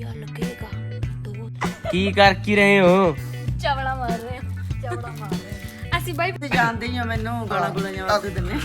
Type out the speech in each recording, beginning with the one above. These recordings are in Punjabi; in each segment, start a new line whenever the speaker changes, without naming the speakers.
रुपया लगेगा दो।
की कर की रहे हो?
चवड़ा मार रहे हैं, चवड़ा मार रहे हैं। ਅਸੀਂ ਬਾਈ
ਜਾਣਦੇ ਹੀ ਆ ਮੈਨੂੰ ਗਾਲਾਂ ਗੁਲਾਂ ਜਵਾਬ ਦੇ ਦਿੰਨੇ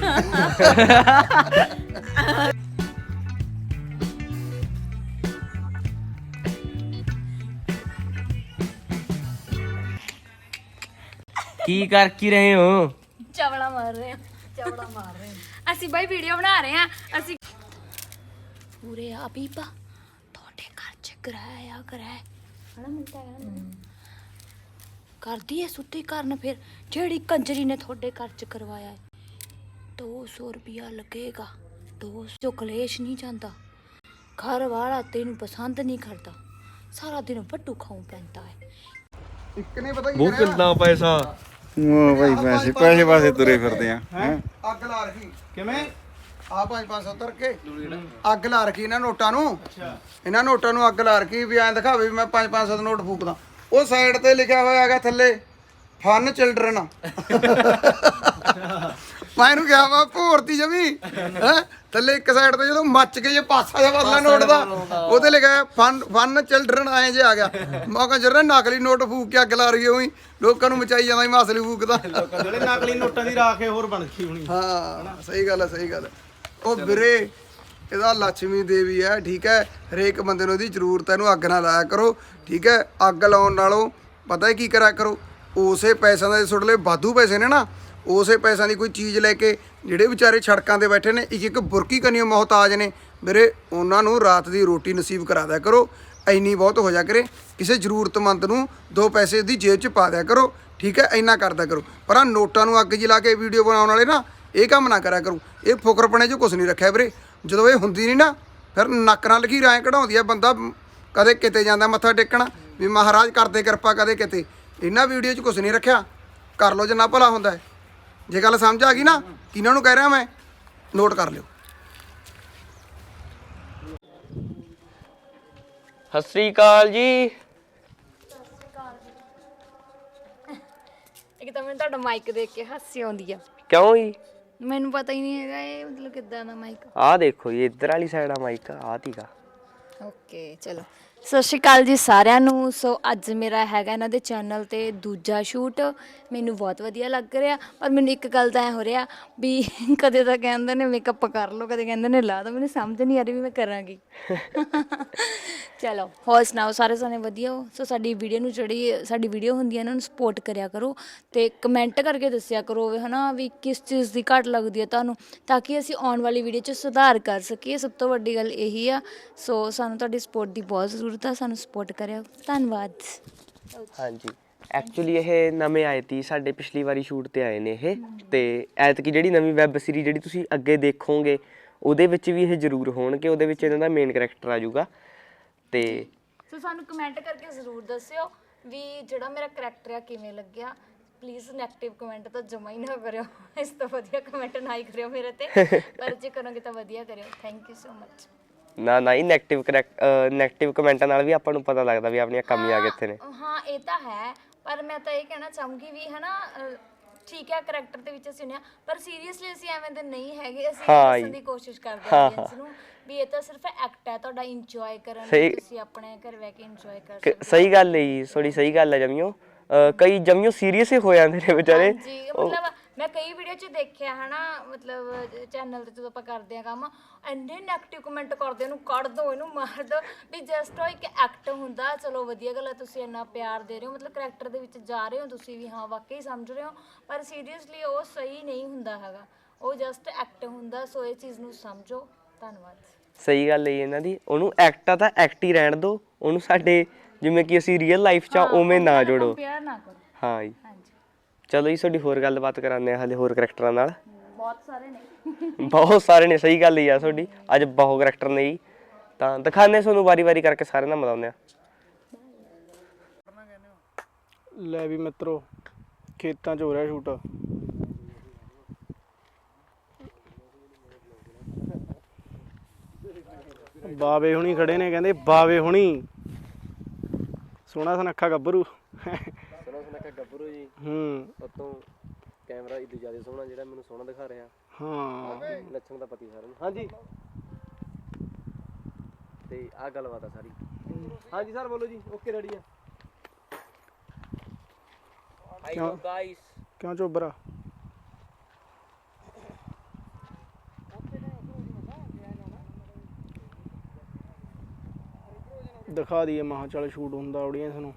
की कर की रहे हो?
ਚਵੜਾ ਮਾਰ ਰਹੇ ਹਾਂ, ਚਵੜਾ ਮਾਰ ਰਹੇ ਹਾਂ। ਅਸੀਂ ਬਾਈ ਵੀਡੀਓ ਬਣਾ ਰਹੇ ਹਾਂ। ਅਸੀਂ ਪੂਰੇ ਆ ਬੀਬਾ ਤੁਹਾਡੇ ਘਰ ਚ ਕਰਾਇਆ ਹਣਾ ਮਿਲਦਾ ਹੈ ਨਾ ਕਰਦੀ ਐ ਸੁੱਤੀ ਕਰਨ ਫਿਰ ਜਿਹੜੀ ਕੰਜਰੀ ਨੇ ਤੁਹਾਡੇ ਘਰ ਚ ਕਰਵਾਇਆ ਹੈ 200 ਰੁਪਿਆ ਲੱਗੇਗਾ 200 ਕਲੇਸ਼ ਨਹੀਂ ਜਾਂਦਾ ਘਰ ਵਾਲਾ ਤੈਨੂੰ ਪਸੰਦ ਨਹੀਂ ਕਰਦਾ ਸਾਰਾ ਦਿਨ ਵੱਟੂ ਖਾਉ ਪੈਂਦਾ ਹੈ
ਇੱਕ ਨੇ ਪਤਾ ਕੀ
वो कितना पैसा?
ਉਹ ਭਾਈ ਪੈਸੇ ਪਾਸੇ ਤੁਰੇ ਫਿਰਦੇ ਆ ਹੈਂ
ਅੱਗ ਲਾ ਰੱਖੀ ਕਿਵੇਂ ਆ 5-570 ਕੇ ਅੱਗ ਲਾ ਰੱਖੀ ਇਹਨਾਂ ਨੋਟਾਂ ਨੂੰ ਇਹਨਾਂ ਨੋਟਾਂ ਨੂੰ ਅੱਗ ਲਾ ਰੱਖੀ ਵੀ ਐਂ ਦਿਖਾਵੇ ਵੀ ਮੈਂ 5-500 ਦਾ ਨੋਟ ਫੂਕਦਾ ਉਹ ਸਾਈਡ ਤੇ ਲਿਖਿਆ ਹੋਇਆ ਹੈਗਾ ਥੱਲੇ ਫਨ ਚਿਲਡਰਨ ਮੈਂ ਇਹਨੂੰ ਕਿਹਾ ਵਾ ਭੋਰਤੀ ਜਮੀ ਹੈ ਥੱਲੇ ਇੱਕ ਸਾਈਡ ਤੇ ਜਦੋਂ ਮੱਚ ਕੇ ਜੇ ਪਾਸਾ ਜਿਹਾ ਬਦਲਾ ਨੋਟ ਦਾ ਉਹਦੇ ਲਿਖਿਆ ਫਨ ਚਿਲਡਰਨ ਆਏ ਜੇ ਆ ਗਿਆ ਮੈਂ ਕਿਹਾ ਜਰਾ ਨਕਲੀ ਨੋਟ ਫੂਕ ਕੇ ਅੱਗ ਲਾ ਰਹੀ ਹੋਈ ਲੋਕਾਂ ਨੂੰ ਮਚਾਈ ਜਾਂਦਾ ਮੈਂ ਅਸਲੀ ਫੂਕਦਾ
ਜਿਹੜੇ ਨਕਲੀ ਨੋਟਾਂ ਦੀ ਰਾਖ ਹੋਰ ਬਣ ਗਈ ਹੋਣੀ
ਹਾਂ ਸਹੀ ਗੱਲ ਹੈ ਸਹੀ ਗੱਲ ਹੈ ਉਹ ਵੀਰੇ ਇਹਦਾ ਲక్ష్ਮੀ ਦੇਵੀ ਹੈ ਠੀਕ ਹੈ ਹਰੇਕ ਬੰਦੇ ਨੂੰ ਇਹਦੀ ਜ਼ਰੂਰਤ ਹੈ ਇਹਨੂੰ ਅੱਗ ਨਾ ਲਾਇਆ ਕਰੋ ਠੀਕ ਹੈ ਅੱਗ ਲਾਉਣ ਨਾਲੋਂ ਪਤਾ ਹੈ ਕੀ ਕਰਿਆ ਕਰੋ ਉਸੇ ਪੈਸਿਆਂ ਦੇ ਤੁਹਾਡੇ ਲਈ ਵਾਧੂ ਪੈਸੇ ਨੇ ਨਾ ਉਸੇ ਪੈਸਿਆਂ ਦੀ ਕੋਈ ਚੀਜ਼ ਲੈ ਕੇ ਜਿਹੜੇ ਵਿਚਾਰੇ ਸੜਕਾਂ ਤੇ ਬੈਠੇ ਨੇ ਇੱਕ ਬੁਰਕੀ ਕੰਨੀਓ ਮੁਹਤਾਜ ਨੇ ਵੀਰੇ ਉਹਨਾਂ ਨੂੰ ਰਾਤ ਦੀ ਰੋਟੀ ਨਸੀਬ ਕਰਾ ਦਿਆ ਕਰੋ ਇੰਨੀ ਬਹੁਤ ਹੋ ਜਾ ਕਰੇ ਕਿਸੇ ਜ਼ਰੂਰਤਮੰਦ ਨੂੰ 2 ਪੈਸੇ ਦੀ ਜੇਬ 'ਚ ਪਾ ਦਿਆ ਕਰੋ ਠੀਕ ਹੈ ਇੰਨਾ ਕਰਦਾ ਕਰੋ ਪਰ ਆ ਨੋਟਾਂ ਨੂੰ ਅੱਗ ਲਾ ਕੇ ਵੀਡੀਓ ਬਣਾਉਣ ਵਾਲੇ ਨਾ ਇਹ ਕੰਮ ਨਾ ਕਰਿਆ ਕਰੋ ਇਹ ਫੁਕਰਪਣੇ 'ਚ ਕੁਛ ਨਹੀਂ ਰੱਖਿਆ ਵੀਰੇ ਜਦੋਂ ਇਹ ਹੁੰਦੀ ਨਹੀਂ ਨਾ ਫਿਰ ਨੱਕ ਨਾਲ ਲਕੀਰ ਐਂ ਕਢਾਉਂਦੀ ਆ ਬੰਦਾ ਕਦੇ ਕਿਤੇ ਜਾਂਦਾ ਮੱਥਾ ਟੇਕਣ ਵੀ ਮਹਾਰਾਜ ਕਰਦੇ ਕਿਰਪਾ ਕਦੇ ਕਿਤੇ ਇਹਨਾਂ ਵੀਡੀਓ 'ਚ ਕੁਛ ਨਹੀਂ ਰੱਖਿਆ ਕਰ ਲਓ ਜਿੰਨਾ ਭਲਾ ਹੁੰਦਾ ਜੇ ਗੱਲ ਸਮਝ ਆ ਗਈ ਨਾ ਕਿਹਨਾਂ ਨੂੰ ਕਹਿ ਰਿਹਾ ਮੈਂ ਨੋਟ ਕਰ ਲਿਓ
सत श्री अकाल जी।
ਇੱਕ ਤਾਂ ਮੈਨੂੰ ਤੁਹਾਡਾ ਮਾਈਕ ਦੇਖ ਕੇ ਹਾਸੀ ਆਉਂਦੀ ਆ
क्यों जी?
ਮੈਨੂੰ ਪਤਾ ਹੀ ਨਹੀਂ ਹੈਗਾ ਇਹ ਮਤਲਬ ਕਿੱਦਾਂ ਦਾ ਮਾਈਕ
आ देखो ये इधर वाली साइड माइक आ थीगा।
ਓਕੇ ਚਲੋ ਸਤਿ ਸ਼੍ਰੀ ਅਕਾਲ ਜੀ ਸਾਰਿਆਂ ਨੂੰ ਸੋ ਅੱਜ ਮੇਰਾ ਹੈਗਾ ਇਹਨਾਂ ਦੇ ਚੈਨਲ ਤੇ ਦੂਜਾ ਸ਼ੂਟ ਮੈਨੂੰ ਬਹੁਤ ਵਧੀਆ ਲੱਗ ਰਿਹਾ ਪਰ ਮੈਨੂੰ ਇੱਕ ਗੱਲ ਤਾਂ ਐ ਹੋ ਰਿਹਾ ਵੀ ਕਦੇ ਤਾਂ ਕਹਿੰਦੇ ਨੇ ਮੇਕਅਪ ਕਰ ਲਓ ਕਦੇ ਕਹਿੰਦੇ ਨੇ ਲਾ ਦੋ ਮੈਨੂੰ ਸਮਝ ਨਹੀਂ ਆ ਰਹੀ ਵੀ ਮੈਂ ਕਰਾਂਗੀ ਚਲੋ ਹੋਰ ਸੁਣਾਓ ਸਾਰੇ ਸਾਰੇ ਵਧੀਆ ਹੋ ਸੋ ਸਾਡੀ ਵੀਡੀਓ ਨੂੰ ਜਿਹੜੀ ਸਾਡੀ ਵੀਡੀਓ ਹੁੰਦੀ ਹੈ ਇਹਨਾਂ ਨੂੰ ਸਪੋਰਟ ਕਰਿਆ ਕਰੋ ਤੇ ਕਮੈਂਟ ਕਰਕੇ ਦੱਸਿਆ ਕਰੋ ਹੈ ਨਾ ਵੀ ਕਿਸ ਚੀਜ਼ ਦੀ ਘੱਟ ਲੱਗਦੀ ਹੈ ਤੁਹਾਨੂੰ ਤਾਂ ਕਿ ਅਸੀਂ ਆਉਣ ਵਾਲੀ ਵੀਡੀਓ 'ਚ ਸੁਧਾਰ ਕਰ ਸਕੀਏ ਸਭ ਤੋਂ ਵੱਡੀ ਗੱਲ ਇਹੀ ਆ ਸੋ ਸਾਨੂੰ ਤੁਹਾਡੀ ਸਪੋਰਟ ਦੀ ਬਹੁਤ ਜ਼ਰੂਰਤ ਆ ਸਾਨੂੰ ਸਪੋਰਟ ਕਰਿਓ ਧੰਨਵਾਦ
हाँ जी ਐਕਚੁਅਲੀ ਇਹ ਨਵੇਂ ਆਏ ਤੀ ਸਾਡੇ ਪਿਛਲੀ ਵਾਰੀ ਸ਼ੂਟ ਤੇ ਆਏ ਨੇ ਇਹ ਤੇ ਐਤਕੀ ਜਿਹੜੀ ਨਵੀਂ ਵੈਬ ਸੀਰੀਜ਼ ਜਿਹੜੀ ਤੁਸੀਂ ਅੱਗੇ ਦੇਖੋਗੇ ਉਹਦੇ ਵਿੱਚ ਵੀ ਇਹ ਜ਼ਰੂਰ ਹੋਣਗੇ ਉਹਦੇ ਵਿੱਚ ਇਹਨਾਂ ਦਾ ਮੇਨ ਕੈਰੈਕਟਰ ਆ ਜਾਊਗਾ ਤੇ
ਸੋ ਸਾਨੂੰ ਕਮੈਂਟ ਕਰਕੇ ਜ਼ਰੂਰ ਦੱਸਿਓ ਵੀ ਜਿਹੜਾ ਮੇਰਾ ਕਰੈਕਟਰ ਆ ਕਿਵੇਂ ਲੱਗਿਆ ਪਲੀਜ਼ ਨੈਗੇਟਿਵ ਕਮੈਂਟ ਤਾਂ ਜਮਾ ਹੀ ਨਾ ਕਰਿਓ ਇਸ ਤੋਂ ਵਧੀਆ ਕਮੈਂਟ ਨਾ ਹੀ ਕਰਿਓ ਮੇਰੇ ਤੇ ਪਰ ਜੇ ਕਰੋਗੇ ਤਾਂ ਵਧੀਆ ਕਰਿਓ ਥੈਂਕ ਯੂ ਸੋ ਮਚ
ਨਾ ਹੀ ਨੈਗੇਟਿਵ ਕਮੈਂਟਾਂ ਨਾਲ ਵੀ ਆਪਾਂ ਨੂੰ ਪਤਾ ਲੱਗਦਾ ਵੀ ਆਪਣੀਆਂ ਕਮੀਆਂ ਕਿੱਥੇ ਨੇ
ਹਾਂ ਇਹ ਤਾਂ ਹੈ ਪਰ ਮੈਂ ਤਾਂ ਇਹ ਕਹਿਣਾ ਚਾਹੂੰਗੀ ਵੀ ਹਨਾ ਠੀਕ ਹੈ ਕਰੈਕਟਰ ਦੇ ਵਿੱਚ ਅਸੀਂ ਨੇ ਪਰ ਸੀਰੀਅਸਲੀ ਅਸੀਂ ਐਵੇਂ ਦੇ ਨਹੀਂ ਹੈਗੇ ਅਸੀਂ ਦੱਸਣ ਦੀ ਕੋਸ਼ਿਸ਼ ਕਰਦੇ ਹਾਂ ਆਡੀਅנס ਨੂੰ ਵੀ ਇਹ ਤਾਂ ਸਿਰਫ ਐਕਟ ਹੈ ਤੁਹਾਡਾ ਇੰਜੋਏ ਕਰਨ ਲਈ ਤੁਸੀਂ ਆਪਣੇ ਘਰ ਬੈ ਕੇ ਇੰਜੋਏ ਕਰ ਸਕਦੇ ਹੋ
ਸਹੀ ਗੱਲ ਹੈ ਜੀ ਥੋੜੀ ਸਹੀ ਗੱਲ ਹੈ ਜਮੀਓ ਕਈ ਜਮੀਓ ਸੀਰੀਅਸ ਹੀ ਹੋ ਜਾਂਦੇ ਨੇ ਵਿਚਾਰੇ
ਜੀ ਮਤਲਬ ਮੈਂ ਕਈ ਵੀਡੀਓ 'ਚ ਦੇਖਿਆ ਹਨਾ ਮਤਲਬ ਚੈਨਲ ਤੇ ਜਦੋਂ ਆਪਾਂ ਕਰਦੇ ਆ ਕੰਮ ਇੰਨੇ ਨੈਗੇਟਿਵ ਕਮੈਂਟ ਕਰਦੇ ਇਹਨੂੰ ਕੱਢ ਦੋ ਇਹਨੂੰ ਮਾਰ ਦੋ ਵੀ ਜਸਟ ਉਹ ਇੱਕ ਐਕਟ ਹੁੰਦਾ ਚਲੋ ਵਧੀਆ ਗੱਲ ਹੈ ਤੁਸੀਂ ਇੰਨਾ ਪਿਆਰ ਦੇ ਰਹੇ ਹੋ ਮਤਲਬ ਕਰੈਕਟਰ ਦੇ ਵਿੱਚ ਜਾ ਰਹੇ ਹੋ ਤੁਸੀਂ ਵੀ ਹਾਂ ਵਾਕਈ ਸਮਝ ਰਹੇ ਹੋ ਪਰ ਸੀਰੀਅਸਲੀ ਉਹ ਸਹੀ ਨਹੀਂ ਹੁੰਦਾ ਹੈਗਾ ਉਹ ਜਸਟ ਐਕਟ ਹੁੰਦਾ ਸੋ ਇਹ ਚੀਜ਼ ਨੂੰ ਸਮਝੋ ਧੰਨਵਾਦ
ਸਹੀ ਗੱਲ ਹੈ ਇਹਨਾਂ ਦੀ ਉਹਨੂੰ ਐਕਟ ਆ ਤਾਂ ਐਕਟ ਹੀ ਰਹਿਣ ਦਿਓ ਉਹਨੂੰ ਸਾਡੇ ਜਿਵੇਂ ਕਿ ਅਸੀਂ ਰੀਅਲ ਲਾਈਫ 'ਚ ਉਵੇਂ ਨਾ ਜੋੜੋ
ਪਿਆਰ ਨਾ ਕਰੋ
ਹਾਂ ਜੀ
ਹਾਂਜੀ
ਚਲੋ ਜੀ ਤੁਹਾਡੀ ਹੋਰ ਗੱਲਬਾਤ ਕਰਾਉਂਦੇ ਆ ਹਾਲੇ ਹੋਰ ਕਰੈਕਟਰਾਂ ਨਾਲ
ਬਹੁਤ ਸਾਰੇ ਨੇ
ਸਹੀ ਗੱਲ ਹੀ ਆ ਤੁਹਾਡੀ ਅੱਜ ਬਹੁਤ ਕਰੈਕਟਰ ਨੇ ਜੀ ਤਾਂ ਦਿਖਾਉਂਦੇ ਤੁਹਾਨੂੰ ਵਾਰੀ-ਵਾਰੀ ਕਰਕੇ ਸਾਰਿਆਂ ਨਾਲ ਮਿਲਾਉਂਦੇ ਆ
ਲੈ ਵੀ ਮਿੱਤਰੋ ਖੇਤਾਂ 'ਚ ਹੋ ਰਿਹਾ ਸ਼ੂਟ ਬਾਵੇ ਹੁਣੀ ਖੜੇ ਨੇ ਕਹਿੰਦੇ ਬਾਵੇ ਹੁਣੀ ਸੋਹਣਾ ਸੁਨੱਖਾ ਗੱਭਰੂ
ਗੱਭਰੂ ਜੀ ਉਤੋਂ ਕੈਮਰਾ ਇਦੋਂ ਜ਼ਿਆਦਾ ਸੋਹਣਾ ਜਿਹੜਾ ਮੈਨੂੰ ਸੋਹਣਾ ਦਿਖਾ ਰਿਹਾ
ਹਾਂ
ਲੱਛਣ ਦਾ ਪਤੀ ਸਾਰਿਆਂ ਨੂੰ ਹਾਂਜੀ ਤੇ ਆਹ ਗੱਲਬਾਤ ਆ ਸਾਰੀ। ਹਾਂਜੀ ਸਰ ਬੋਲੋ ਜੀ। ਓਕੇ ਰੈਡੀ ਆ। Hi guys.
ਕਿਉਂ ਚੋਬਰਾ? ਦਿਖਾ ਦਈਏ ਮਹਾ ਚੱਲ ਸ਼ੂਟ ਹੁੰਦਾ ਆਡੀਅנס ਨੂੰ।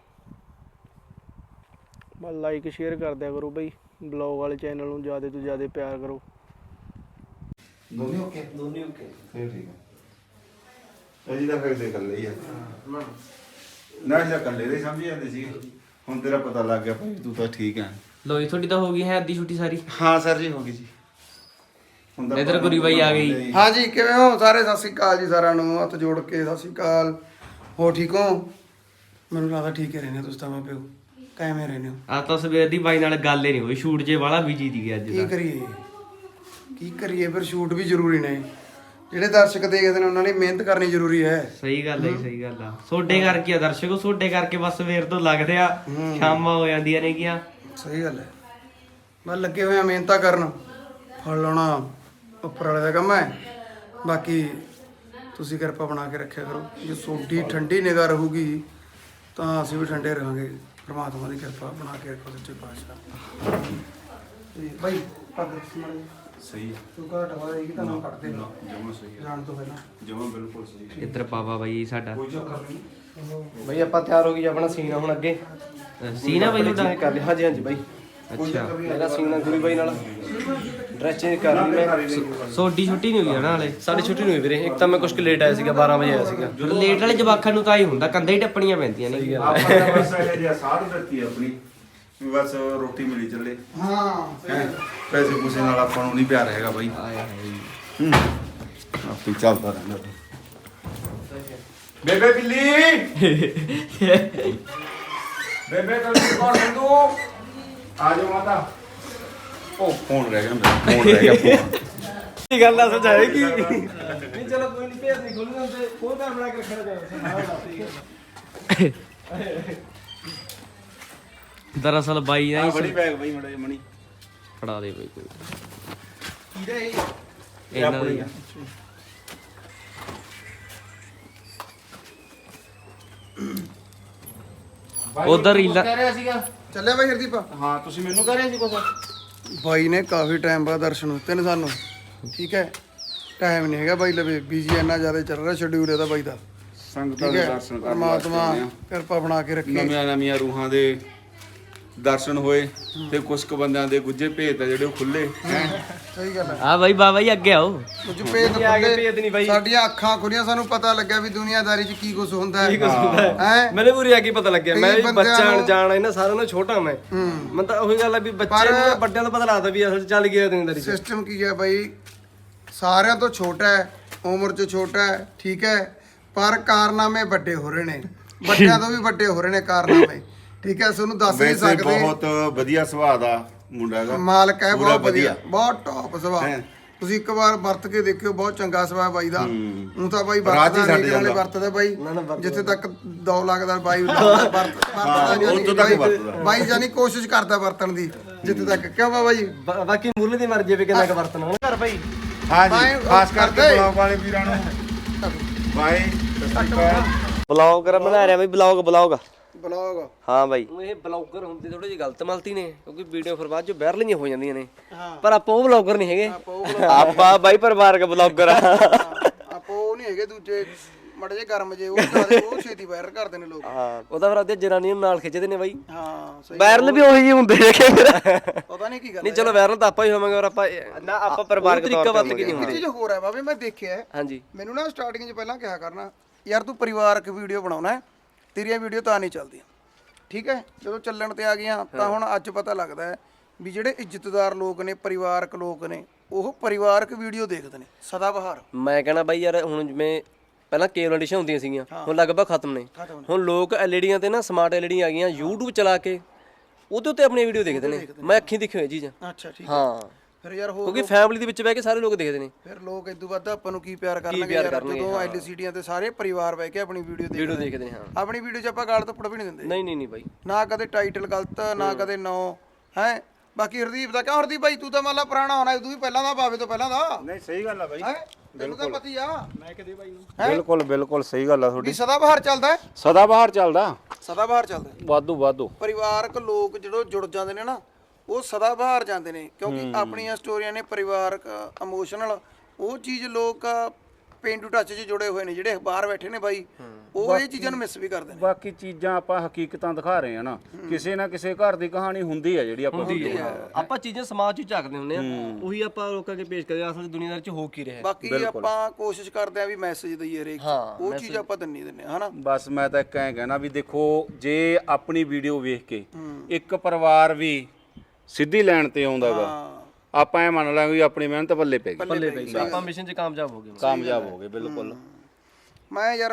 ਬਸ ਲਾਈਕ ਸ਼ੇਅਰ ਕਰ ਦਿਆ ਕਰੋ ਬਈ, ਬਲੌਗ ਵਾਲੇ ਚੈਨਲ ਨੂੰ ਜ਼ਿਆਦਾ ਤੋਂ ਜ਼ਿਆਦਾ ਪਿਆਰ ਕਰੋ।
ਦੋਨੇ ਓਕੇ ਫਿਰ ਠੀਕ ਹੈ। ਅਜੀ ਦਾ ਫਿਰ ਦੇ ਕਰ ਲਈ ਆ ਨਾ ਜਾਂ ਕੱਲੇ ਦੇ ਸਮਝ ਜਾਂਦੇ ਸੀ। ਹੁਣ ਤੇਰਾ ਪਤਾ ਲੱਗ ਗਿਆ ਭਾਈ ਤੂੰ ਤਾਂ ਠੀਕ ਹੈ।
ਲੋ ਜੀ ਤੁਹਾਡੀ ਤਾਂ ਹੋ ਗਈ ਹੈ ਅੱਧੀ ਛੁੱਟੀ ਸਾਰੀ।
ਹਾਂ ਸਰ ਜੀ ਹੋ ਗਈ ਜੀ। ਹੁਣ ਤਾਂ
ਇਧਰ ਗੁਰੀ ਬਾਈ ਆ ਗਈ।
ਹਾਂਜੀ ਕਿਵੇਂ ਹੋ ਸਾਰੇ? ਸਤਿ ਸ਼੍ਰੀ ਅਕਾਲ ਜੀ ਸਾਰਿਆਂ ਨੂੰ, ਹੱਥ ਜੋੜ ਕੇ ਸਤਿ ਸ਼੍ਰੀ ਅਕਾਲ। ਹੋ ਠੀਕ ਹੋ? ਮੈਨੂੰ ਲੱਗਦਾ ਠੀਕ ਹੀ ਰਹਿੰਦੇ ਤੁਸੀਂ ਤਾਂ ਮਾਂ ਪਿਓ। ਕਿਵੇਂ ਰਹਿੰਦੇ ਹੋ?
ਆ ਤਾਂ ਸਵੇਰ ਦੀ ਬਾਈ ਨਾਲ ਗੱਲ ਹੀ ਨਹੀਂ ਹੋਈ, ਸ਼ੂਟ ਜੇ ਵਾਲਾ ਬਿਜੀ ਦੀ ਅੱਜ
ਕੀ ਕਰੀਏ ਫਿਰ ਸ਼ੂਟ ਵੀ ਜ਼ਰੂਰੀ ਨੇ। ਜਿਹੜੇ ਦਰਸ਼ਕ ਦੇਖਦੇ ਨੇ ਉਹਨਾਂ ਨੇ ਮਿਹਨਤ ਕਰਨੀ ਜ਼ਰੂਰੀ ਹੈ।
ਸਹੀ ਗੱਲ ਹੈ, ਸਹੀ ਗੱਲ ਆ। ਸੋਡੇ ਕਰਕੇ ਆ ਦਰਸ਼ਕੋ, ਸੋਡੇ ਕਰਕੇ ਬਸ ਸਵੇਰ ਤੋਂ ਲੱਗਦੇ ਆ, ਸ਼ਾਮਾਂ ਹੋ ਜਾਂਦੀਆਂ ਨੇ ਗੀਆਂ।
ਸਹੀ ਗੱਲ ਹੈ। ਬਸ ਲੱਗੇ ਹੋਏ ਆ ਮਿਹਨਤਾਂ ਕਰਨ, ਫਲ ਲਾਉਣਾ ਉੱਪਰ ਵਾਲੇ ਦਾ ਕੰਮ ਹੈ। ਬਾਕੀ ਤੁਸੀਂ ਕਿਰਪਾ ਬਣਾ ਕੇ ਰੱਖਿਆ ਕਰੋ। ਜੇ ਤੁਹਾਡੀ ਠੰਡੀ ਨਿਗਾਹ ਰਹੂਗੀ ਤਾਂ ਅਸੀਂ ਵੀ ਠੰਡੇ ਰਹਾਂਗੇ। ਪਰਮਾਤਮਾ ਦੀ ਕਿਰਪਾ ਬਣਾ ਕੇ ਰੱਖੋ ਸੱਚੇ ਪਾਤਸ਼ਾਹ। ਤੇ ਭਾਈ ਪੱਗ ਮਾਰੀ
ਸਹੀ ਹੈ।
ਤੂੰ ਘਾਟ ਵਾਲਾ ਇਹ ਕਿ ਤੁਹਾਨੂੰ ਕੱਟਦੇ ਨਾ
ਜਮਾ ਸਹੀ ਹੈ।
ਜਾਣ ਤੋਂ ਪਹਿਲਾਂ
ਜਮਾ ਬਿਲਕੁਲ ਸਹੀ ਹੈ।
ਇੱਧਰ ਪਾਪਾ ਬਾਈ ਸਾਡਾ।
ਕੋਈ ਚੱਕਰ ਨਹੀਂ।
ਬਈ ਆਪਾਂ ਤਿਆਰ ਹੋ ਗਈ, ਆਪਣਾ ਸੀਨ ਹੁਣ ਅੱਗੇ
ਸੀ ਨਾ ਬਾਈ ਤੁਹਾਡਾ?
ਕਰ ਲਿਆ। ਹਾਂਜੀ ਹਾਂਜੀ ਬਾਈ,
ਅੱਛਾ
ਮੇਰਾ ਸੀਨ ਆ ਗੁਰੀ ਬਾਈ ਨਾਲ। ਡਰੈਸ ਚੇਂਜ ਕਰ ਲਈ ਮੈਂ।
ਸੋਡੀ ਛੁੱਟੀ ਨਹੀਂ ਹੋਈ ਨਾ ਹਾਲੇ?
ਸਾਡੀ ਛੁੱਟੀ ਨਹੀਂ ਹੋਈ ਵੀਰੇ। ਇੱਕ ਤਾਂ ਮੈਂ ਕੁਝ ਲੇਟ ਆਇਆ ਸੀਗਾ, 12 ਵਜੇ ਆਇਆ ਸੀਗਾ।
ਲੇਟ ਵਾਲੇ ਜਵਾਕਾਂ ਨੂੰ ਤਾਂ ਹੀ ਹੁੰਦਾ, ਕੰਧਾਂ ਹੀ ਟੱਪਣੀਆਂ ਪੈਂਦੀਆਂ ਨੇ।
ਆਪਾਂ ਤਾਂ ਬਸ ਇਹ ਜਿਹਾ ਸਾਧ ਦਿੱਤੀ ਆਪਣੀ ਵੀ ਬਸ ਰੋਟੀ ਮਿਲੀ ਚੱਲੇ।
ਹਾਂ
ਹੈਂ। ਪੈਸੇ ਪੂਸੇ ਨਾਲ ਆਪਾਂ ਨੂੰ ਨਹੀਂ ਪਿਆਰ ਹੈਗਾ ਬਾਈ। ਆਪੇ ਚੱਲਦਾ ਰਹਿੰਦਾ। ਬੇਬੇ ਬਿੱਲੀ ਬੇਬੇ ਕੱਲ ਕੌਣ ਹੈ ਤੂੰ? ਆ ਜਾ ਮਾਤਾ। ਉਹ ਫੋਨ ਰਹਿ ਗਿਆ ਮੇਰਾ, ਫੋਨ ਰਹਿ ਗਿਆ ਫੋਨ।
ਕੀ ਗੱਲ ਆ ਸਮਝਾਏਗੀ? ਨਹੀਂ ਚਲੋ ਕੋਈ ਨਹੀਂ, ਭੇਜ ਨਹੀਂ ਖੋਲਣਾ ਤੇ ਫੋਨ ਕਰ ਬਣਾ ਕੇ ਰੱਖਣਾ ਚਾਹੀਦਾ।
ਦਰਅਸਲ ਬਾਈ ਨਾ
ਬੜੀ ਬੈਗ ਬਾਈ ਮੜਾ ਮਣੀ
ਫੜਾ ਦੇ ਬਾਈ ਕੋਈ।
ਕਿਹਦੇ ਇਹ
ਇਹਨਾਂ ਦੀ ਉਧਰ ਰੀਲਾ
ਚੱਲਿਆ ਬਾਈ ਹਰਦੀਪ?
ਹਾਂ ਤੁਸੀਂ ਮੈਨੂੰ ਕਹਿ ਰਹੇ ਸੀ ਕੁਛ?
ਬਾਈ ਨੇ ਕਾਫੀ ਟਾਈਮ ਬਾਅਦ ਦਰਸ਼ਨ ਦਿੱਤੇ ਨੇ ਸਾਨੂੰ। ਠੀਕ ਹੈ, ਟਾਈਮ ਨਹੀਂ ਹੈਗਾ ਬਾਈ ਲਵੇ, ਬਿਜੀ ਇੰਨਾ ਜ਼ਿਆਦਾ ਚੱਲ ਰਿਹਾ ਸ਼ਡਿਊਲ ਇਹਦਾ ਬਾਈ ਦਾ।
ਸੰਗਤਾਂ
ਠੀਕ
ਦੇ
ਹੈ,
ਦਰਸ਼ਨ ਕਰਨ
ਪਰਮਾਤਮਾ ਕਿਰਪਾ ਬਣਾ ਕੇ ਰੱਖੇ।
ਨਵੀਆਂ ਰੂਹਾਂ ਦੇ ਦਰਸ਼ਨ ਹੋਏ ਤੇ ਕੁਝ ਕੁ ਬੰਦਿਆਂ ਦੇ ਗੁੱਜੇ ਭੇਤ ਆ ਜਿਹੜੇ ਉਹ ਖੁੱਲੇ।
ਸਹੀ ਗੱਲ ਹੈ।
ਆ ਬਾਈ ਬਾਬਾ ਜੀ ਅੱਗੇ ਆਓ।
ਕੁਝ ਭੇਦ ਖੁੱਲੇ, ਸਾਡੀਆਂ ਅੱਖਾਂ ਖੁੱਲੀਆਂ, ਸਾਨੂੰ ਪਤਾ ਲੱਗਿਆ ਵੀ ਦੁਨੀਆਦਾਰੀ 'ਚ ਕੀ ਕੁਝ ਹੁੰਦਾ ਹੈ।
ਮੈਨੂੰ ਪੂਰੀ ਆ ਕੇ ਪਤਾ ਲੱਗਿਆ।
ਕਈ
ਮੈਂ ਵੀ
ਬੰਦਿਆਂ
ਬੱਚਾ
ਨੂੰ-
ਜਾਣ ਇਹਨਾਂ ਸਾਰਿਆਂ ਨਾਲੋਂ ਛੋਟਾ ਮੈਂ। ਮੈਂ ਤਾਂ ਉਹੀ ਗੱਲ ਆ ਵੀ ਬੱਚੇ ਨੂੰ ਵੱਡਿਆਂ ਤੋਂ ਪਤਾ ਲੱਗਦਾ ਵੀ ਅਸਲ 'ਚ ਚੱਲ ਗਿਆ ਦੁਨੀਆਦਾਰੀ 'ਚ।
ਸਿਸਟਮ ਕੀ ਹੈ ਬਾਈ, ਸਾਰਿਆਂ ਤੋਂ ਛੋਟਾ ਹੈ, ਉਮਰ 'ਚ ਛੋਟਾ ਹੈ, ਠੀਕ ਹੈ, ਪਰ ਕਾਰਨਾਮੇ ਵੱਡੇ ਹੋ ਰਹੇ ਨੇ, ਵੱਡਿਆਂ ਤੋਂ ਵੀ ਵੱਡੇ ਹੋ ਰਹੇ ਨੇ ਕਾਰਨਾਮੇ। ਠੀਕ ਹੈ, ਤੁਹਾਨੂੰ ਦੱਸ ਨਹੀਂ
ਵੈਸੇ
ਸਕਦੇ।
ਬਹੁਤ ਵਧੀਆ ਸੁਭਾਅ ਦਾ ਮੁੰਡਾ ਹੈਗਾ,
ਮਾਲਕ ਹੈ,
ਪੂਰਾ
ਬਹੁਤ ਵਧੀਆ, ਬਹੁਤ ਟੌਪ ਸੁਭਾਅ।
ਹੈਂ।
ਤੁਸੀਂ ਇੱਕ ਵਾਰ ਵਰਤ ਕੇ ਦੇਖਿਓ, ਬਹੁਤ ਚੰਗਾ ਸੁਭਾਅ ਬਾਈ ਦਾ। ਉਹ ਤਾਂ ਬਾਈ
ਰਾਤ ਹੀ
ਵਰਤਦਾ
ਛੱਡ
ਨਹੀਂ, ਨਾਲੇ
ਜਾਂਦਾ।
ਵਰਤਦਾ ਬਾਈ ਜਿੱਥੇ ਤੱਕ ਦੌ ਲੱਗਦਾ ਬਾਈ ਵਰਤਦਾ ਨਹੀਂ।
ਉੱਥੋਂ ਤੱਕ ਵਰਤਦਾ।
ਬਾਈ ਜਾਨੀ ਕੋਸ਼ਿਸ਼ ਕਰਦਾ ਵਰਤਣ ਦੀ ਜਿੱਥੇ ਤੱਕ। ਕਿਉਂ ਬਾਈ?
ਬਾਕੀ ਮੁੱਲ ਦੀ ਮਰਜ਼ੀ ਵੀ ਕਿੰਨਾ ਕੁ ਵਰਤਣਾ ਹੁਣ ਘਰ ਭਾਈ।
ਹਾਂਜੀ
ਬਾਈ
ਖਾਸ ਕਰਕੇ
ਕਰਦੇ।
ਬਲੌਗ ਵਾਲੇ ਵੀਰਾਂ ਨੂੰ ਬਾਈ ਸਤਿ ਸ਼੍ਰੀ ਅਕਾਲ।
ਬਲੌਗ ਬਣਾ ਰਿਹਾ ਬਈ, ਬਲੌਗ
ਬਲੌਗ
ਹਾਂ ਬਾਈ। ਇਹ ਬਲੌਗਰ ਹੁੰਦੇ ਥੋੜੇ ਜਿਹੀ ਗਲਤ ਮਲਤੀ ਨੇ, ਕਿਉਂਕਿ ਵੀਡੀਓ ਫਿਰ ਬਾਅਦ ਚ ਵਾਇਰਲ ਨਹੀਂ ਹੋ ਜਾਂਦੀਆਂ ਨੇ। ਪਰ ਆਪਾਂ ਉਹ ਬਲੌਗਰ ਨਹੀਂ ਹੈਗੇ, ਆਪਾਂ ਬਾਈ ਪਰਿਵਾਰਕ ਬਲੌਗਰ ਆ।
ਆਪੋ ਉਹ ਨਹੀਂ ਹੈਗੇ ਦੂਜੇ ਮੜੇ ਜੇ ਗਰਮ ਜੇ, ਉਹ ਜ਼ਿਆਦਾ ਉਹ ਛੇਤੀ ਵਾਇਰਲ ਕਰਦੇ ਨੇ ਲੋਕ।
ਹਾਂ ਉਹਦਾ ਫਿਰ ਅੱਧੇ ਜਨਾਨੀਆਂ ਨੂੰ ਨਾਲ ਖਿੱਚਦੇ ਨੇ ਬਾਈ।
ਹਾਂ ਸਹੀ।
ਵਾਇਰਲ ਵੀ ਉਹੀ ਜਿਹੇ ਹੁੰਦੇ ਨੇ ਕਿ
ਪਤਾ ਨਹੀਂ ਕੀ ਗੱਲ
ਨਹੀਂ। ਚਲੋ ਵਾਇਰਲ ਤਾਂ ਆਪਾਂ ਹੀ ਹੋਵਾਂਗੇ, ਔਰ ਆਪਾਂ ਨਾ ਆਪਾਂ ਪਰਿਵਾਰਕ
ਤਰੀਕਾ
ਤੌਰ
ਵਰਤ
ਤੇ
ਕੇ
ਨਹੀਂ
ਇੱਕ ਚੀਜ਼ ਹੋਰ ਹੈ ਬਾਬੇ, ਮੈਂ ਦੇਖਿਆ
ਹਾਂਜੀ
ਮੈਨੂੰ ਨਾ ਸਟਾਰਟਿੰਗ 'ਚ ਪਹਿਲਾਂ ਕਿਹਾ ਕਰਨਾ, ਯਾਰ ਤੂੰ ਪਰਿਵਾਰਕ ਵੀਡੀਓ ਬਣਾਉਣਾ ਹੈ, ਤੇਰੀਆਂ ਵੀਡੀਓ ਤਾਂ ਨਹੀਂ ਚੱਲਦੀਆਂ। ਠੀਕ ਹੈ, ਜਦੋਂ ਚੱਲਣ ਤੇ ਆ ਗਈਆਂ ਤਾਂ ਹੁਣ ਅੱਜ ਪਤਾ ਲੱਗਦਾ ਹੈ ਵੀ ਜਿਹੜੇ ਇੱਜ਼ਤਦਾਰ ਲੋਕ ਨੇ, ਪਰਿਵਾਰਕ ਲੋਕ ਨੇ, ਉਹ ਪਰਿਵਾਰਕ ਵੀਡੀਓ ਦੇਖਦੇ ਨੇ ਸਦਾ ਬਹਾਰ।
ਮੈਂ ਕਹਿਣਾ ਬਾਈ ਯਾਰ, ਹੁਣ ਜਿਵੇਂ ਪਹਿਲਾਂ ਕੇਬਲ ਐਡੀਸ਼ਨ ਹੁੰਦੀਆਂ ਸੀਗੀਆਂ, ਹੁਣ ਲਗਭਗ ਖਤਮ ਨੇ। ਹੁਣ ਲੋਕ ਐਲਈਡੀਆਂ ਤੇ ਨਾ ਸਮਾਰਟ ਐਲਈਡੀਆਂ ਆ ਗਈਆਂ, YouTube ਚਲਾ ਕੇ ਉਹਦੇ ਉੱਤੇ ਆਪਣੀ ਵੀਡੀਓ ਦੇਖਦੇ ਨੇ। ਮੈਂ ਅੱਖੀਂ ਦੇਖੀ ਹੋਈ ਚੀਜ਼।
ਅੱਛਾ ਠੀਕ ਹੈ।
ਹਾਂ
ਫਿਰ ਯਾਰ ਹੋਰ
ਕਿਉਂਕਿ ਫੈਮਿਲੀ ਦੇ ਵਿੱਚ ਬਹਿ ਕੇ ਸਾਰੇ ਲੋਕ ਦੇਖਦੇ ਨੇ।
ਫਿਰ ਲੋਕ ਇਦੋਂ ਵੱਧ ਆਪਾਂ ਨੂੰ ਕੀ ਪਿਆਰ ਕਰਨਗੇ ਯਾਰ, ਜਦੋਂ ਐਲਸੀਡੀਆਂ ਤੇ ਸਾਰੇ ਪਰਿਵਾਰ ਬਹਿ ਕੇ ਆਪਣੀ ਵੀਡੀਓ
ਦੇਖਦੇ ਨੇ। ਹਾਂ
ਆਪਣੀ ਵੀਡੀਓ 'ਚ ਆਪਾਂ ਗਾਲ ਧੱਪੜ ਵੀ ਨਹੀਂ ਦਿੰਦੇ,
ਨਹੀਂ ਬਾਈ,
ਨਾ ਕਦੇ ਟਾਈਟਲ ਗਲਤ, ਨਾ ਕਦੇ ਨੋ ਹੈ। ਬਾਕੀ ਹਰਦੀਪ ਦਾ ਕਿਉਂ? ਹਰਦੀਪ ਬਾਈ ਤੂੰ ਤਾਂ ਮੰਨ ਲਾ ਪੁਰਾਣਾ ਹੋਣਾ, ਤੂੰ ਵੀ ਪਹਿਲਾਂ ਦਾ, ਬਾਵੇ ਤੋਂ ਪਹਿਲਾਂ ਦਾ।
ਨਹੀਂ ਸਹੀ ਗੱਲ ਆ ਬਾਈ।
ਤੈਨੂੰ ਤਾਂ ਪਤੀ ਆ
ਬਿਲਕੁਲ ਬਿਲਕੁਲ ਸਹੀ ਗੱਲ ਆ
ਵੀ
ਤੁਹਾਡੀ
ਸਦਾ ਬਹਾਰ ਚੱਲਦਾ ਹੈ,
ਸਦਾ ਬਾਹਰ ਚੱਲਦਾ
ਸਦਾ ਬਹਾਰ ਚੱਲਦਾ ਹੈ।
ਵਾਧੂ ਵਾਧੂ
ਪਰਿਵਾਰਕ ਲੋਕ ਜਦੋਂ ਜੁੜ ਜਾਂਦੇ ਨੇ ਨਾ ਉਹ ਸਦਾ ਬਹਾਰ ਜਾਂਦੇ ਨੇ, ਕਿਉਂਕਿ ਆਪਣੀਆਂ ਸਟੋਰੀਆਂ ਨੇ ਪਰਿਵਾਰਕ ਇਮੋਸ਼ਨਲ ਉਹ ਚੀਜ਼ ਲੋਕ ਪੇਂਡੂ ਟੱਚ 'ਚ ਜੁੜੇ ਹੋਏ ਨੇ ਜਿਹੜੇ ਬਾਹਰ ਬੈਠੇ ਨੇ ਬਾਈ, ਉਹ ਇਹ ਚੀਜ਼ਾਂ ਨੂੰ ਮਿਸ ਵੀ ਕਰਦੇ ਨੇ।
ਬਾਕੀ ਚੀਜ਼ਾਂ ਆਪਾਂ ਹਕੀਕਤਾਂ ਦਿਖਾ ਰਹੇ ਆ ਨਾ, ਕਿਸੇ ਨਾ ਕਿਸੇ ਘਰ ਦੀ ਕਹਾਣੀ ਹੁੰਦੀ ਆ ਜਿਹੜੀ ਆਪਾਂ
ਆਪਾਂ ਚੀਜ਼ਾਂ ਸਮਾਜ 'ਚ ਝਾਕਦੇ ਹੁੰਦੇ ਆ, ਉਹੀ ਆਪਾਂ ਲੋਕਾਂ ਅੱਗੇ ਪੇਸ਼ ਕਰਦੇ ਆ, ਅਸਲ ਦੁਨੀਆਦਾਰੀ 'ਚ ਹੋ ਕੀ ਰਿਹਾ।
ਬਾਕੀ ਆਪਾਂ ਕੋਸ਼ਿਸ਼ ਕਰਦੇ ਆ ਵੀ ਮੈਸੇਜ ਦਈਏ ਹਰੇਕ ਉਹ ਚੀਜ਼ ਆਪਾਂ ਦਿੰਦੇ ਆ ਹਨਾ।
ਬਸ ਮੈਂ ਤਾਂ ਇੱਕ ਐਂ ਕਹਿਣਾ ਵੀ ਦੇਖੋ, ਜੇ ਆਪਣੀ ਵੀਡੀਓ ਵੇਖ ਕੇ ਇੱਕ ਪਰਿਵਾਰ ਵੀ ਸਿੱਧੀ ਲਾਈਨ ਤੇ ਆਉਂਦਾਗਾ, ਆਪਾਂ ਇਹ ਮੰਨ ਲਾਂਗੇ ਵੀ ਆਪਣੀ ਮਿਹਨਤ ਪੱਲੇ ਪੈ ਗਈ,
ਆਪਾਂ ਮਿਸ਼ਨ 'ਚ ਕਾਮਯਾਬ ਹੋ ਗਏ।
ਬਿਲਕੁਲ।
ਮੈਂ ਯਾਰ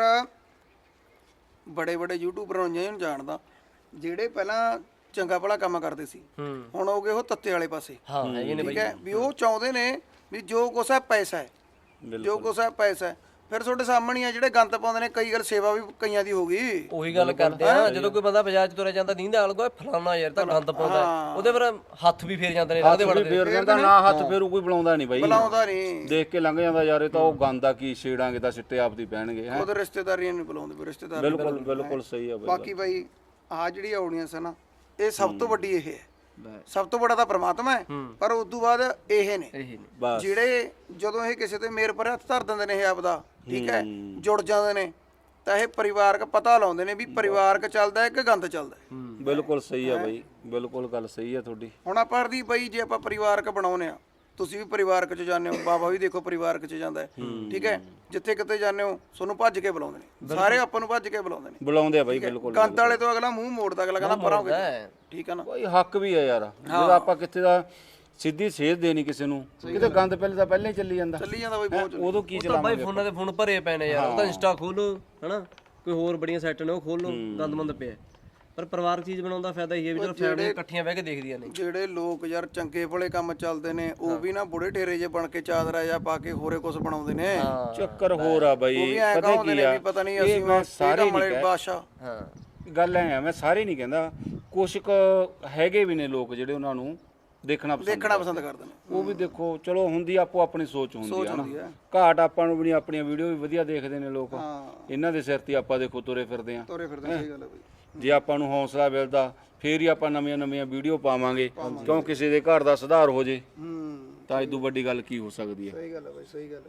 ਬੜੇ ਬੜੇ ਯੂਟਿਊਬਰਾਂ ਨੂੰ ਜਾਣਦਾ ਜਿਹੜੇ ਪਹਿਲਾਂ ਚੰਗਾ ਭਲਾ ਕੰਮ ਕਰਦੇ ਸੀ, ਹੁਣ ਹੋ ਗਏ ਉਹ ਤੱਤੇ ਵਾਲੇ ਪਾਸੇ।
ਹਾਂ ਹੈਗੇ ਨੇ
ਠੀਕ ਹੈ ਵੀ ਉਹ ਚਾਹੁੰਦੇ ਨੇ ਵੀ ਜੋ ਕੁਛ ਹੈ ਪੈਸਾ ਹੈ, ਜੋ ਕੁਛ ਹੈ ਪੈਸਾ ਹੈ। ਫਿਰ ਤੁਹਾਡੇ ਸਾਹਮਣੇ ਆ ਜਿਹੜੇ ਗੰਦ ਪਾਉਂਦੇ ਨੇ, ਕਈ ਗੱਲ ਸੇਵਾ ਵੀ ਕਈਆਂ ਦੀ ਹੋ ਗਈ।
ਉਹੀ ਗੱਲ ਕਰਦੇ ਆ, ਜਦੋਂ ਕੋਈ ਬੰਦਾ ਬਾਜ਼ਾਰ 'ਚ ਤੁਰਿਆ ਜਾਂਦਾ ਦੀਂਦਾ ਆਲਗਾ ਫਲਾਣਾ ਯਾਰ ਤਾਂ ਗੰਦ ਪਾਉਂਦਾ, ਉਹਦੇ ਪਰ ਹੱਥ ਵੀ ਫੇਰ ਜਾਂਦੇ ਨੇ, ਉਹਦੇ ਵੜਦੇ
ਫੇਰ ਜਾਂਦਾ ਨਾ, ਹੱਥ ਫੇਰੂ ਕੋਈ ਬੁਲਾਉਂਦਾ ਨਹੀਂ ਬਾਈ,
ਬੁਲਾਉਂਦਾ ਨਹੀਂ,
ਦੇਖ ਕੇ ਲੰਘ ਜਾਂਦਾ ਯਾਰ ਇਹ ਤਾਂ ਉਹ ਗੰਦ ਆ, ਕੀ ਛੇੜਾਂਗੇ ਤਾਂ ਸਿੱਟੇ ਆਪਦੀ ਪੈਣਗੇ ਹੈ।
ਉਹਦੇ ਰਿਸ਼ਤੇਦਾਰੀਆਂ ਨਹੀਂ ਬੁਲਾਉਂਦੇ ਵੀ ਰਿਸ਼ਤੇਦਾਰ।
ਬਿਲਕੁਲ ਬਿਲਕੁਲ ਸਹੀ ਆ ਬਾਈ।
ਬਾਕੀ ਬਾਈ ਆਹ ਜਿਹੜੀ ਆਡੀਅנס ਹੈ ਨਾ, ਇਹ ਸਭ ਤੋਂ ਵੱਡੀ ਇਹ ਹੈ, ਸਭ ਤੋਂ ਵੱਡਾ ਤਾਂ ਪ੍ਰਮਾਤਮਾ ਹੈ, ਪਰ ਉਸ ਤੋਂ ਬਾਅਦ ਇਹ ਨੇ ਜਿਹੜੇ ਜਦੋਂ ਇਹ ਕਿਸੇ ਤੇ ਮੇਰ ਪਰ ਹੱਥ ਧਰ ਦਿੰਦੇ ਨੇ, ਇਹ ਆਪਦਾ ਠੀਕ ਹੈ ਜੁੜ ਜਾਂਦੇ ਨੇ, ਤਾਂ ਇਹ ਪਰਿਵਾਰਕ ਪਤਾ ਲਾਉਂਦੇ ਨੇ ਵੀ ਪਰਿਵਾਰਕ ਚੱਲਦਾ ਹੈ ਕਿ ਗੰਦ ਚੱਲਦਾ ਹੈ।
ਬਿਲਕੁਲ ਸਹੀ ਆ ਬਾਈ, ਬਿਲਕੁਲ ਗੱਲ ਸਹੀ ਆ ਤੁਹਾਡੀ।
ਹੁਣ ਆਪਾਂ ਦੀ ਬਾਈ ਜੇ ਆਪਾਂ ਪਰਿਵਾਰਕ ਬਣਾਉਨੇ ਆ, ਤੁਸੀਂ ਵੀ ਪਰਿਵਾਰਕ ਚ ਜਾਂਦੇ ਹੋ, ਬਾਬਾ ਵੀ ਦੇਖੋ ਪਰਿਵਾਰਕ ਚ ਜਾਂਦਾ ਹੈ, ਠੀਕ ਹੈ ਜਿੱਥੇ ਕਿਤੇ ਜਾਂਦੇ ਹੋ ਤੁਹਾਨੂੰ ਭੱਜ ਕੇ ਬੁਲਾਉਂਦੇ ਨੇ, ਸਾਰੇ ਆਪਾਂ ਨੂੰ ਭੱਜ ਕੇ ਬੁਲਾਉਂਦੇ ਨੇ,
ਬੁਲਾਉਂਦੇ ਆ ਬਾਈ ਬਿਲਕੁਲ।
ਗੰਦ ਵਾਲੇ ਤੋਂ ਅਗਲਾ ਮੂੰਹ ਮੋੜਦਾ, ਅਗਲਾ ਕਹਿੰਦਾ ਪਰਾਂ ਹੋ ਕੇ, ਠੀਕ ਹੈ ਨਾ
ਬਾਈ ਹੱਕ ਵੀ ਆ ਯਾਰ, ਜਦੋਂ ਆਪਾਂ ਕਿੱਥੇ ਦਾ ਸਿੱਧੀ ਸੇਧ ਦੇਣੀ ਕਿਸੇ ਨੂੰ, ਕਿਤੇ ਗੰਦ ਪਹਿਲੇ ਤਾਂ ਪਹਿਲਾਂ ਹੀ ਚੱਲੀ ਜਾਂਦਾ
ਬਾਈ ਬਹੁਤ।
ਉਦੋਂ ਕੀ
ਤਾਂ ਬਾਈ ਫੋਨਾਂ ਦੇ ਫੋਨ ਭਰੇ ਪਏ ਨੇ ਯਾਰ, ਉਹ ਤਾਂ ਇੰਸਟਾ ਖੋਲੋ ਹਨਾ, ਕੋਈ ਹੋਰ ਬੜੀਆਂ ਸਾਈਟ ਨੇ ਉਹ ਖੋਲੋ, ਗੰਦਮੰਦ ਪਿਆ। ਪਰ ਪਰਿਵਾਰਕ ਚੀਜ਼ ਬਣਾਉਣ ਦਾ ਫਾਇਦਾ ਇਹ ਹੈ ਵੀ ਚਲੋ ਫੈਮਿਲੀ ਇਕੱਠੀਆਂ ਬਹਿ ਕੇ ਦੇਖਦੀਆਂ ਨੇ।
ਜਿਹੜੇ ਲੋਕ ਯਾਰ ਚੰਗੇ ਭਲੇ ਕੰਮ ਚੱਲਦੇ ਨੇ, ਉਹ ਵੀ ਨਾ ਬੁੜੇ ਢੇਰੇ ਜੇ ਬਣ ਕੇ ਚਾਦਰਾ ਜਾਂ ਪਾ ਕੇ ਹੋਰੇ ਕੁਝ ਬਣਾਉਂਦੇ ਨੇ।
ਚੱਕਰ ਹੋਰ ਆ ਬਾਈ,
ਪਤਾ ਕੀ ਆ, ਪਤਾ ਨਹੀਂ ਅਸੀਂ
ਮੈਂ ਸਾਰੇ
ਵਾਲੇ ਬਾਦਸ਼ਾਹ।
ਹਾਂ
ਗੱਲ ਐ, ਮੈਂ ਸਾਰੇ ਨਹੀਂ ਕਹਿੰਦਾ, ਕੁਛ ਕੁ ਹੈਗੇ ਵੀ ਨੇ ਲੋਕ ਜਿਹੜੇ ਉਹਨਾਂ ਨੂੰ ਦੇਖਣਾ
ਪਸੰਦ ਕਰਦੇ ਨੇ।
ਉਹ ਵੀ ਦੇਖੋ ਚਲੋ ਹੁੰਦੀ ਆਪੋ ਆਪਣੀ ਸੋਚ ਹੁੰਦੀ ਹੈ ਨਾ, ਘਾਟ ਆਪਾਂ ਨੂੰ ਵੀ ਨਹੀਂ, ਆਪਣੀਆਂ ਵੀਡੀਓ ਵੀ ਵਧੀਆ ਦੇਖਦੇ ਨੇ ਲੋਕ, ਇਹਨਾਂ ਦੇ ਸਿਰ ਤੇ ਆਪਾਂ ਦੇਖੋ ਤੁਰੇ ਫਿਰਦੇ ਆ।
ਸਹੀ ਗੱਲ ਹੈ ਬਈ।
ਜੇ ਆਪਾਂ ਨੂੰ ਹੌਸਲਾ ਮਿਲਦਾ ਫੇਰ ਹੀ ਆਪਾਂ ਨਵੀਆਂ ਵੀਡੀਓ ਪਾਵਾਂਗੇ, ਕਿਉਂ ਕਿਸੇ ਦੇ ਘਰ ਦਾ ਸੁਧਾਰ ਹੋ ਜੇ ਤਾਂ ਇਦੋਂ ਵੱਡੀ ਗੱਲ ਕੀ ਹੋ ਸਕਦੀ ਹੈ।
ਸਹੀ ਗੱਲ ਹੈ ਬਾਈ, ਸਹੀ ਗੱਲ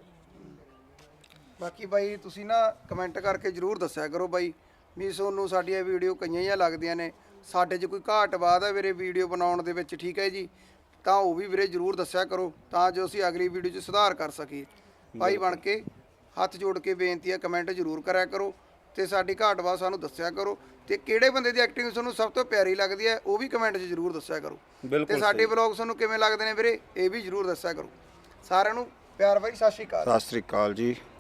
ਹੈ। ਬਾਕੀ ਬਾਈ ਤੁਸੀਂ ਨਾ ਕਮੈਂਟ ਕਰਕੇ ਜਰੂਰ ਦੱਸਿਆ ਕਰੋ ਬਾਈ ਵੀ ਤੁਹਾਨੂੰ ਸਾਡੀਆਂ ਵੀਡੀਓ ਕਈਆਂ ਹੀ ਲੱਗਦੀਆਂ ਨੇ, ਸਾਡੇ 'ਚ ਕੋਈ ਘਾਟ ਬਾਤ ਹੈ ਵੀਰੇ ਵੀਡੀਓ ਬਣਾਉਣ ਦੇ ਵਿੱਚ, ਠੀਕ ਹੈ ਜੀ, ਤਾਂ ਉਹ ਵੀ ਵੀਰੇ ਜਰੂਰ ਦੱਸਿਆ ਕਰੋ ਤਾਂ ਜੋ ਅਸੀਂ ਅਗਲੀ ਵੀਡੀਓ 'ਚ ਸੁਧਾਰ ਕਰ ਸਕੀਏ। ਭਾਈ ਬਣ ਕੇ ਹੱਥ ਜੋੜ ਕੇ ਬੇਨਤੀ ਹੈ, ਕਮੈਂਟ ਜਰੂਰ ਕਰਿਆ ਕਰੋ ਤੇ ਸਾਡੀ ਘਾਟ ਬਾਤ ਸਾਨੂੰ ਦੱਸਿਆ ਕਰੋ, ਤੇ ਕਿਹੜੇ ਬੰਦੇ ਦੀ ਐਕਟਿੰਗ ਤੁਹਾਨੂੰ ਸਭ ਤੋਂ ਪਿਆਰੀ ਲੱਗਦੀ ਹੈ ਉਹ ਵੀ ਕਮੈਂਟ 'ਚ ਜਰੂਰ ਦੱਸਿਆ ਕਰੋ, ਤੇ ਸਾਡੇ ਵਲੌਗ ਤੁਹਾਨੂੰ ਕਿਵੇਂ ਲੱਗਦੇ ਨੇ ਵੀਰੇ ਇਹ ਵੀ ਜਰੂਰ ਦੱਸਿਆ ਕਰੋ। ਸਾਰਿਆਂ ਨੂੰ ਪਿਆਰ ਬਾਈ, ਸਤਿ ਸ਼੍ਰੀ ਅਕਾਲ।
ਸਤਿ ਸ੍ਰੀ ਅਕਾਲ ਜੀ।